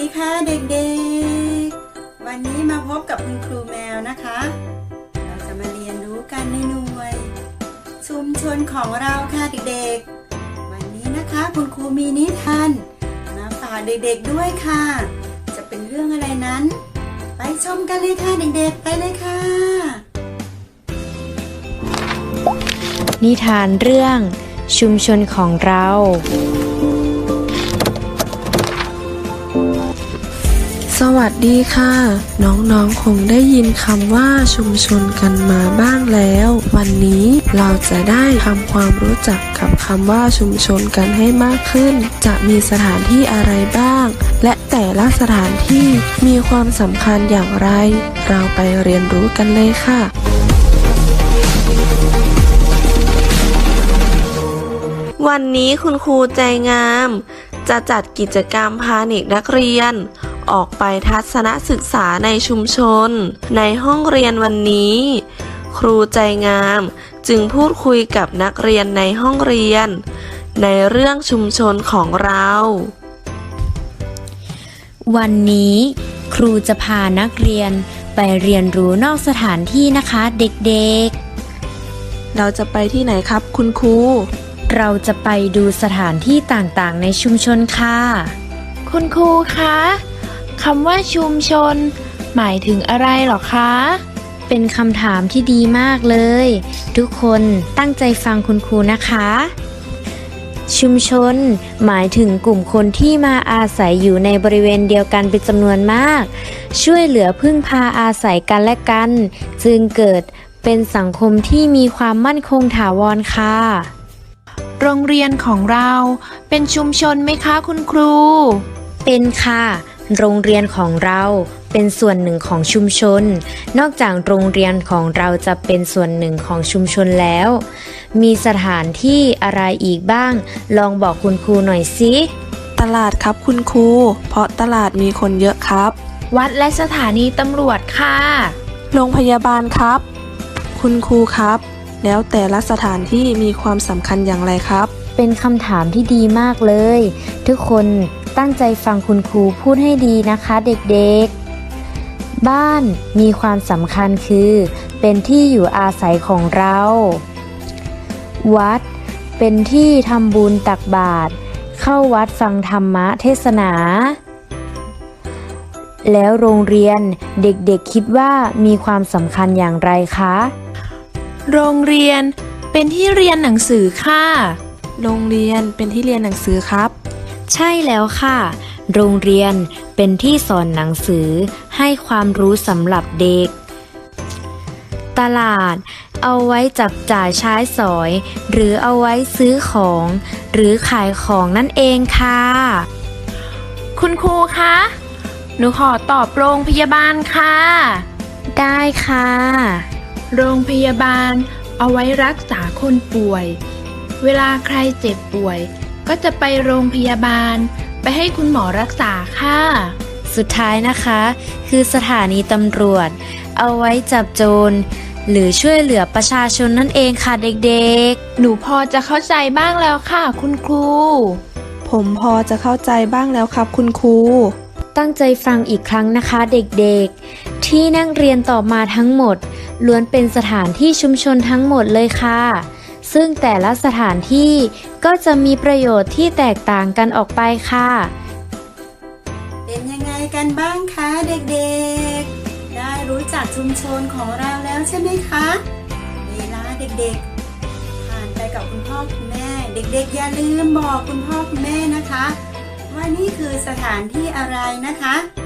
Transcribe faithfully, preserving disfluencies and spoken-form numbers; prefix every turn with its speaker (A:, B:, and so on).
A: ดีค่ะเด็กๆวันนี้มาพบกับคุณครูแมวนะคะเราจะมาเรียนรู้กันในหน่วยชุมชนของเราค่ะเด็กๆวันนี้นะคะคุณครูมีนิทานมาฝากเด็กๆด้วยค่ะจะเป็นเรื่องอะไรนั้นไปชมกันเลยค่ะเด็กๆไปเลยค่ะ
B: นิทานเรื่องชุมชนของเรา
C: สวัสดีค่ะน้องๆคงได้ยินคำว่าชุมชนกันมาบ้างแล้ววันนี้เราจะได้ทำความรู้จักกับคำว่าชุมชนกันให้มากขึ้นจะมีสถานที่อะไรบ้างและแต่ละสถานที่มีความสำคัญอย่างไรเราไปเรียนรู้กันเลยค่ะวันนี้คุณครูใจงามจะจัดกิจกรรมพาเด็กนักเรียนออกไปทัศนศึกษาในชุมชนในห้องเรียนวันนี้ครูใจงามจึงพูดคุยกับนักเรียนในห้องเรียนในเรื่องชุมชนของเรา
B: วันนี้ครูจะพานักเรียนไปเรียนรู้นอกสถานที่นะคะเด็กๆ
C: เราจะไปที่ไหนครับคุณครู
B: เราจะไปดูสถานที่ต่างๆในชุมชนค่ะ
D: คุณครูคะคำว่าชุมชนหมายถึงอะไรหรอคะ
B: เป็นคำถามที่ดีมากเลยทุกคนตั้งใจฟังคุณครูนะคะชุมชนหมายถึงกลุ่มคนที่มาอาศัยอยู่ในบริเวณเดียวกันเป็นจำนวนมากช่วยเหลือพึ่งพาอาศัยกันและกันจึงเกิดเป็นสังคมที่มีความมั่นคงถาวรค่ะ
D: โรงเรียนของเราเป็นชุมชนไหมคะคุณครู
B: เป็นค่ะโรงเรียนของเราเป็นส่วนหนึ่งของชุมชนนอกจากโรงเรียนของเราจะเป็นส่วนหนึ่งของชุมชนแล้วมีสถานที่อะไรอีกบ้างลองบอกคุณครูหน่อยสิ
C: ตลาดครับคุณครูเพราะตลาดมีคนเยอะครับ
D: วัดและสถานีตำรวจค่ะ
C: โรงพยาบาลครับคุณครูครับแล้วแต่ละสถานที่มีความสำคัญอย่างไรครับ
B: เป็นคำถามที่ดีมากเลยทุกคนตั้งใจฟังคุณครูพูดให้ดีนะคะเด็กๆบ้านมีความสำคัญคือเป็นที่อยู่อาศัยของเราวัดเป็นที่ทำบุญตักบาตรเข้าวัดฟังธรรมะเทศนาแล้วโรงเรียนเด็กๆคิดว่ามีความสำคัญอย่างไรคะ
D: โรงเรียนเป็นที่เรียนหนังสือค่ะ
C: โรงเรียนเป็นที่เรียนหนังสือครับ
B: ใช่แล้วค่ะโรงเรียนเป็นที่สอนหนังสือให้ความรู้สำหรับเด็กตลาดเอาไว้จับจ่ายใช้สอยหรือเอาไว้ซื้อของหรือขายของนั่นเองค่ะ
D: คุณครูคะหนูขอตอบโรงพยาบาลค่ะ
B: ได้ค่ะ
D: โรงพยาบาลเอาไว้รักษาคนป่วยเวลาใครเจ็บป่วยก็จะไปโรงพยาบาลไปให้คุณหมอรักษาค่ะ
B: สุดท้ายนะคะคือสถานีตำรวจเอาไว้จับโจรหรือช่วยเหลือประชาชนนั่นเองค่ะเด็ก
D: ๆหนูพอจะเข้าใจบ้างแล้วค่ะคุณครู
C: ผมพอจะเข้าใจบ้างแล้วครับคุณครู
B: ตั้งใจฟังอีกครั้งนะคะเด็กๆที่นักเรียนตอบมาทั้งหมดล้วนเป็นสถานที่ชุมชนทั้งหมดเลยค่ะซึ่งแต่ละสถานที่ก็จะมีประโยชน์ที่แตกต่างกันออกไปค่ะ
A: เป็นยังไงกันบ้างคะเด็กๆได้รู้จักชุมชนของเราแล้วใช่ไหมคะเวลาเด็กๆผ่านไปกับคุณพ่อคุณแม่เด็กๆอย่าลืมบอกคุณพ่อคุณแม่นะคะว่านี่คือสถานที่อะไรนะคะ